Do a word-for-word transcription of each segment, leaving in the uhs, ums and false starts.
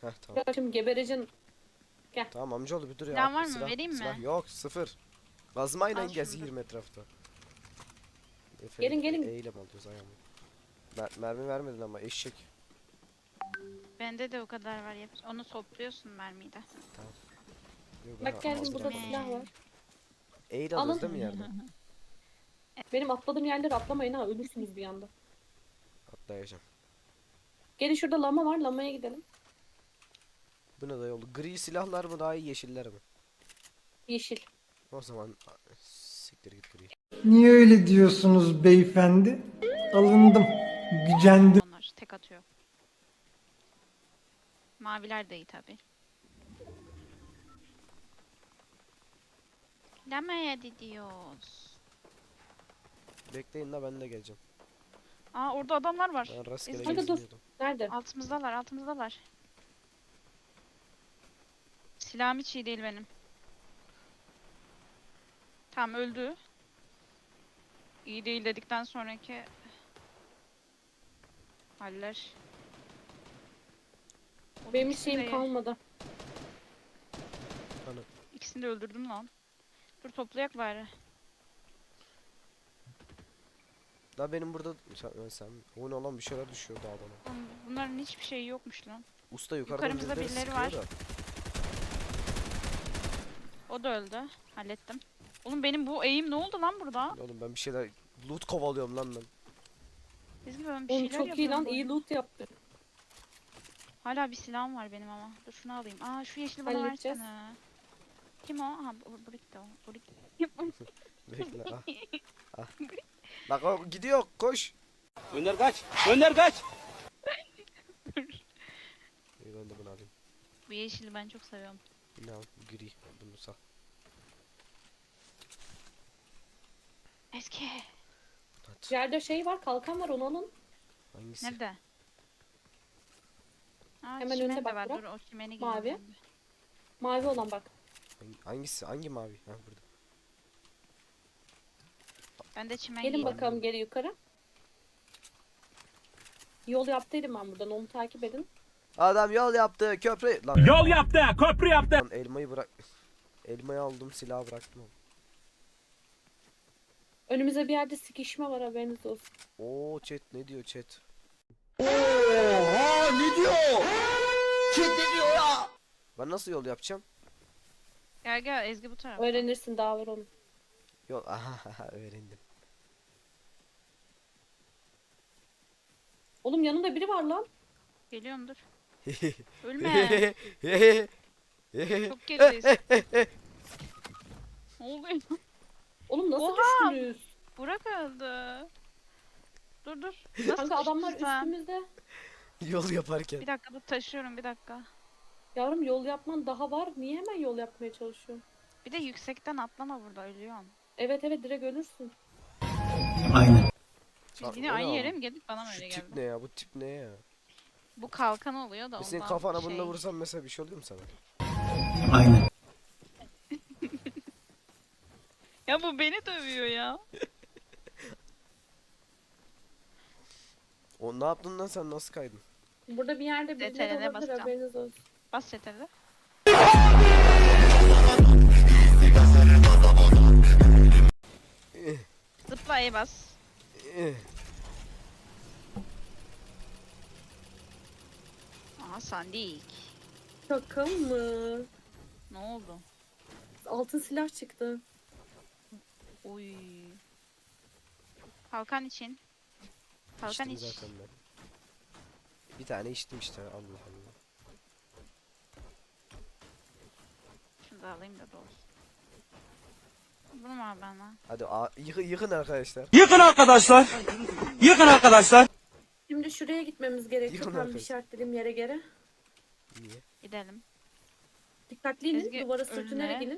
Heh tamam. Şimdi gebereceksin. Gel. Tamam amcaoğlu bir dur ya. Silah var mı? Silah, Vereyim mi? silah yok sıfır. Gazmayla Al şunu geziyorum etrafta. Efe, Gelin, gelin. E, eylem alıyoruz ayağımı. Mer mermi vermedin ama eşek. Bende de o kadar var. Yap. Onu topluyorsun mermiyi de. Yok, ben Bak geldim, aldım. burada Me. silah var. Eğil Alın. alıyoruz değil mi yerden? Benim atladığım yerlere atlamayın ha, ölürsünüz bir anda. Atlayacağım. Gelin, şurada lama var, lamaya gidelim. Bu ne da yolu? Gri silahlar mı daha iyi yeşiller mi? Yeşil. O zaman siktir git gri. Niye öyle diyorsunuz beyefendi? Alındım, gücendim. Onlar tek atıyor. Maviler de iyi tabi. Lamaya gidiyoruz. Bekleyin la ben de geleceğim. Aa orada adamlar var. Ben rastgele Ezgi, Hadi dur. geziniyordum. Nerede? altımızdalar, altımızdalar. Silahım hiç iyi değil benim. Tamam öldü. İyi değil dedikten sonraki haller. Oğlum Benim hiç ikisini şeyim de- kalmadı. Hani İkisini de öldürdüm lan. Dur toplayak bari. la benim burada sen, sen o ne olan bir şeyler düşüyor dağdan. Oğlum bunların hiçbir şeyi yokmuş lan. Usta yukarıdan Yukarımızda birileri birileri sıkıyor var. da. O da öldü. Hallettim. Oğlum benim bu eğim ne oldu lan burada? Oğlum ben bir şeyler loot kovalıyorum lan ben. Ezgi ben bir Oğlum şeyler çok iyi yapıyorum lan, bu iyi arada. loot yaptı. Hala bir silahım var benim ama. Dur şunu alayım. Aa şu yeşili bana Halledeceğiz. versene. Kim o? Ha bu- Brick de o. Brick. Bekle ah. Ah. Bak o gidiyor koş. Önder kaç. Önder kaç. İyi ben de bunu alayım. Bu yeşili ben çok seviyorum. Ne al gri bunu sal. Eski. At. Yerde şey var, kalkan var, onu alın. Hangisi? Nerede? Aa, Hemen çimen önünde de bak var. Burak. Dur o çimeni Mavi. giyeyim ben de. Mavi olan bak. Hangi- Hangisi? Hangi mavi? Ha burada. Ben de çimen Gelin giyeyim. bakalım geri yukarı. Yol yaptıydım ben buradan, onu takip edin. Adam yol yaptı köprü. Lan, Yol yaptı. Köprü yaptı. lan elmayı bırak. Elmayı aldım silahı bıraktım. Önümüzde bir yerde sıkışma var, haberiniz olsun. Oo chat ne diyor chat? Oha ne diyor? Kim ne diyor ya? Ben nasıl yol yapacağım? Gel gel Ezgi bu tarafa. Öğrenirsin, daha var onun. Yol aha öğrendim. Oğlum yanında biri var lan. Geliyorum dur. Ölme. Çok gerideyiz. Ne oluyor? Oğlum nasıl Oha! düştünüz? Burak öldü. Dur dur. Nasıl Kanka adamlar düştün sen? üstümüzde. Yol yaparken. Bir dakika dur taşıyorum bir dakika. Yavrum yol yapman daha var. Niye hemen yol yapmaya çalışıyorsun? Bir de yüksekten atlama burada ölüyorsun. Evet evet, direkt ölürsün. Aynen. Sa- Biz yine o ne aynı oğlum? yere mi geldik bana mı Şu öyle tip geldi? ne ya? Bu tip ne ya? Bu kalkan oluyor da Bir senin ondan kafana şey. bununla vursam mesela bir şey oluyor mu sana? Aynen. Ya bu beni dövüyor ya. O ne yaptın lan sen nasıl kaydın? Burada bir yerde birileri D T R L'ye olabilir, basacağım. haberiniz olsun. Bas yeterli. Eh, Zıpla E bas. eh. Aha sandik. Şaka mı? Ne oldu? Altın silah çıktı. Oy. Kalkan için. Kalkan İçtim iç. zaten ben. Bir tane içtim işte Allah Allah. Şunu da alayım da dolsun. Bunu mu al bana? Hadi a- yıkın, yıkın arkadaşlar. Yıkın arkadaşlar. Yıkın arkadaşlar. Şimdi şuraya gitmemiz gerekiyor. Yıkın Tam bir arkadaş. işaretlediğim yere geri. Niye? Gidelim. Dikkatli inin. Ezgi, Duvara sürtünerek önüne. inin.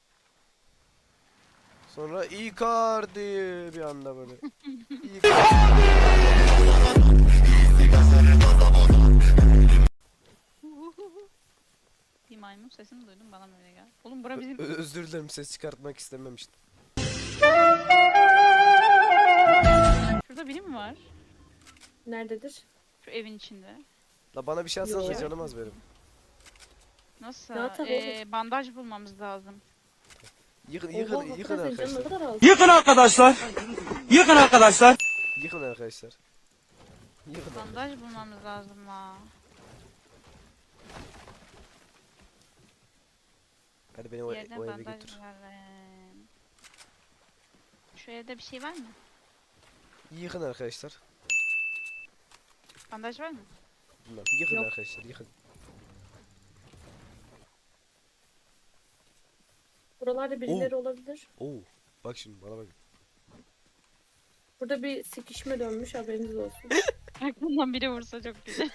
Sonra Icardi bir anda böyle. Icardi. Bir maymun sesini duydum bana mı öyle geldi? Oğlum bura bizim... Ö- Özür dilerim ses çıkartmak istememiştim. Şurada biri mi var? Nerededir? Şu evin içinde. La bana bir şey atsanıza Yok. canım az benim. Nasıl? Ya tabii Ee, bandaj bulmamız lazım. Yıkın Oha yıkın hakikaten yıkın senin canın ne arkadaşlar. kadar az. Yıkın arkadaşlar. Yıkın arkadaşlar. Yıkın arkadaşlar. Yıkın arkadaşlar. Bandaj bulmamız lazım la. Hadi beni o, Bir yerden o eve bandaj götür. bulalım. Şu evde bir şey var mı? Yıkın arkadaşlar. Bandaj var mı? Bilmem. Yıkın Yok. arkadaşlar yıkın. Buralarda birileri olabilir. Oo. Bak şimdi bana bak. Burada bir sikişme dönmüş, haberiniz olsun. Aklımdan biri vursa çok güzel.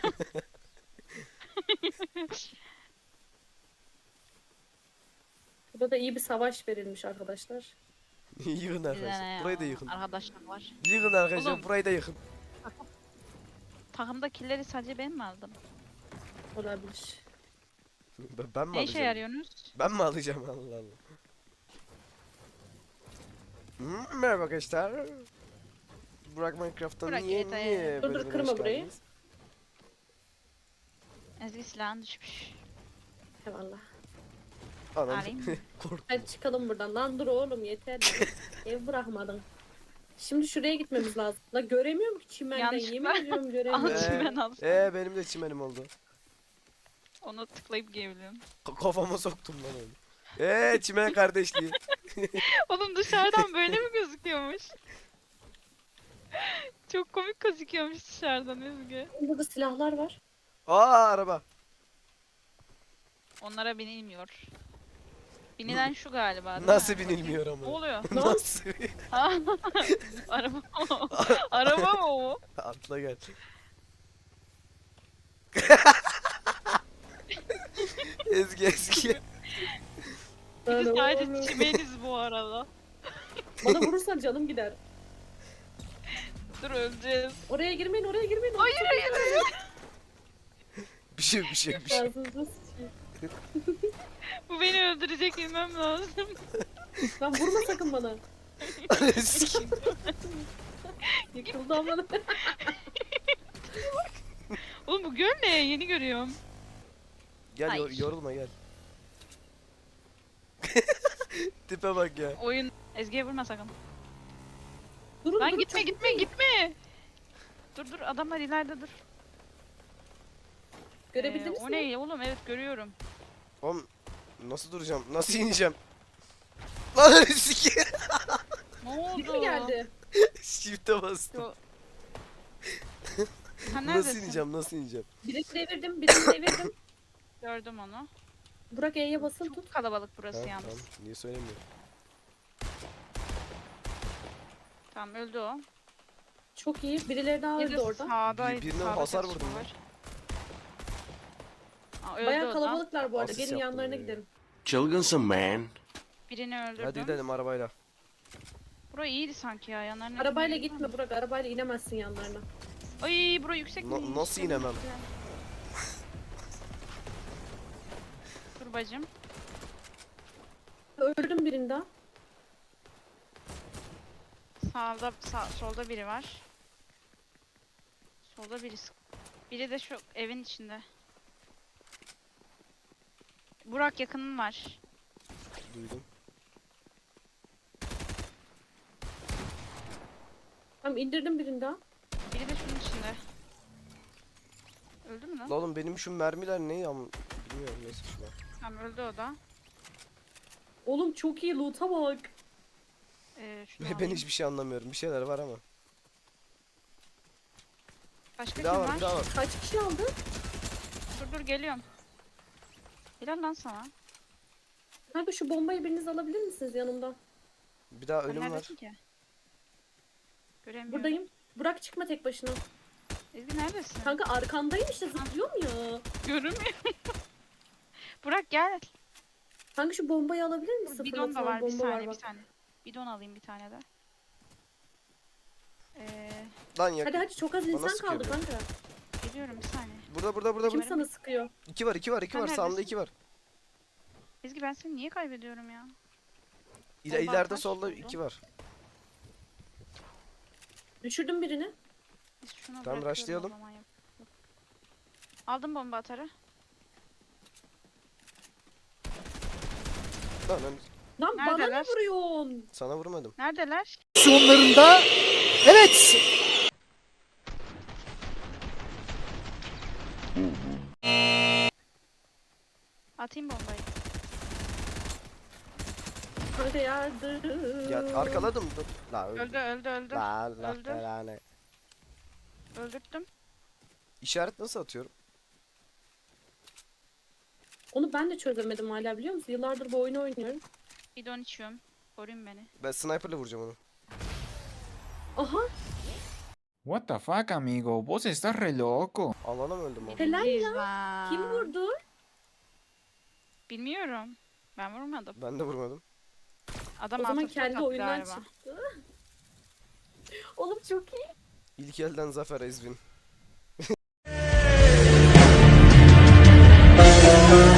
Burada da iyi bir savaş verilmiş arkadaşlar. Yıkın Bize ne arkadaşlar. ya? Burayı da yıkın. Arkadaşlar var. Yıkın arkadaşlar. Oğlum. Burayı da yıkın. Takımda killeri sadece ben mi aldım? Olabilir. Ben, ben mi Ne işe alacağım? yarıyorsunuz? Ben mi alacağım Allah Allah. Hmm, merhaba arkadaşlar. Burak Minecraft'tan Burak niye Yetay. niye Dur, dur, bölümüne kırma hoş burayı. geldiniz? Ezgi silahın düşmüş. Eyvallah. Anam Alayım mı? korktum. Hadi çıkalım buradan. Lan dur oğlum yeter. ya. Ev bırakmadın. Şimdi şuraya gitmemiz lazım. La göremiyorum ki çimenden. Yanlışlıkla. Yemin ediyorum Al göremiyorum. Ee, çimen al. Ee benim de çimenim oldu. Onu tıklayıp giyebiliyorum. K- kafama soktum lan onu. Ee çimen kardeşliği. Oğlum dışarıdan böyle mi gözüküyormuş? Çok komik gözüküyormuş dışarıdan Ezgi. Burada silahlar var. Aa araba. Onlara binilmiyor. Binilen şu galiba değil Nasıl mi? binilmiyor Ne ama? oluyor? Nasıl? Ha? Araba mı o? Araba mı o? Atla gel. Ezgi Ezgi. Bir de Lan sadece oğlum. çimeniz bu arada. Bana vurursan canım gider. Dur öleceğiz. Oraya girmeyin, oraya girmeyin. Hayır hayır hayır. Bir şey bir şey bir şey. Ağzınıza sıçayım. Bu beni öldürecek bilmem lazım. Lan vurma sakın bana. Ezgi. Yıkıldı ama. Oğlum bu göl ne? Yeni görüyorum. Gel yor- Ay. yorulma gel. Tipe bak ya. Oyun. Ezgi'ye vurma sakın. Durun Lan durun. gitme çok gitme gitmeyin. gitme. Dur dur adamlar ileride dur. Görebildiniz Ee, o mi? ne oğlum evet görüyorum. Oğlum nasıl duracağım? Nasıl ineceğim? Lan Ezgi. Ne oldu? Biri mi geldi? Shift'e bastım. Yo- Sen Nasıl neredesin? ineceğim? Nasıl ineceğim? Birini devirdim, birini devirdim. Gördüm onu. Burak E'ye basılı tut. Çok kalabalık burası Ha, yalnız. tamam. Niye söylemiyorum? Tamam öldü o. Çok iyi. Birileri daha Bir öldü de orada. sağda, Bir- birine sağda hasar çatışma vurdum ben. var. Aa, öldü Bayağı o da. kalabalıklar bu arada. Asist Gelin yaptım yanlarına ya. gidelim. Çılgınsın man. Birini öldürdüm. Hadi gidelim arabayla. Burası iyiydi sanki ya yanlarına. Arabayla gitmeyelim gitme Burak. Arabayla inemezsin yanlarına. mi? Ay bura yüksek Na- mi? nasıl inemem? Dur bacım. Öldürdüm birini daha. Sağda, sağ, solda biri var. Solda biri. sık- Biri de şu evin içinde. Burak yakının var. Duydum. Tamam indirdim birini daha. Biri de şunun içinde. Öldü mü lan? La oğlum benim şu mermiler ne ya? Bilmiyorum neyse şuna. Tamam öldü o da. Oğlum çok iyi loot'a bak. Ee, şunu Ben alayım. hiçbir şey anlamıyorum. Bir şeyler var ama. Başka Bir kim daha var? var, bir daha var. Kaç kişi aldı? Dur dur geliyorum. Helal lan sana. Kanka şu bombayı biriniz alabilir misiniz yanımdan? Bir daha Sen ölüm var. neredesin ki? Göremiyorum. Buradayım. Burak çıkma tek başına. Ezgi neredesin? Kanka arkandayım işte zıplıyorum ya. Görünmüyor. Burak gel. Kanka şu bombayı alabilir misin? Bidon da Fırlatılan var bir bomba saniye bir bak. saniye. Bidon alayım bir tane de. Ee, Lan ya. Hadi hadi çok az Bana insan sıkıyor kaldı bu. kanka. geliyorum bir saniye. Burada burada burada Kim burada. sana sıkıyor? İki var, iki var, iki Sen var. Sağımda neredesin? iki var. Ezgi ben seni niye kaybediyorum ya? İle, Bomba ileride kaç solda oldu? iki var. Düşürdüm birini. Biz şunu Tamam, bırakıyorum rushlayalım. o zaman yap- Aldım bomba atarı. Lan Lan bana ne Neredeler? vuruyorsun? sana vurmadım. Neredeler? Sonlarında evet. Atayım bombayı. Hadi yardım. Ya arkaladım dur. La öldü. Öldü öldü öldü. La Allah Öldü. belanı. Öldürttüm. İşaret nasıl atıyorum? Onu ben de çözemedim hala biliyor musun? Yıllardır bu oyunu oynuyorum. Bidon içiyorum. Koruyun beni. Ben sniper'la vuracağım onu. Aha What the fuck, amigo? Vos estás re loco. Alana mı öldüm abi? Helal Birinciyiz ya. lan. kim vurdu? Bilmiyorum. Ben vurmadım. Ben de vurmadım. Adam O zaman altı kendi attı oyundan galiba. çıktı. Oğlum çok iyi. İlk elden zafer Ezvin.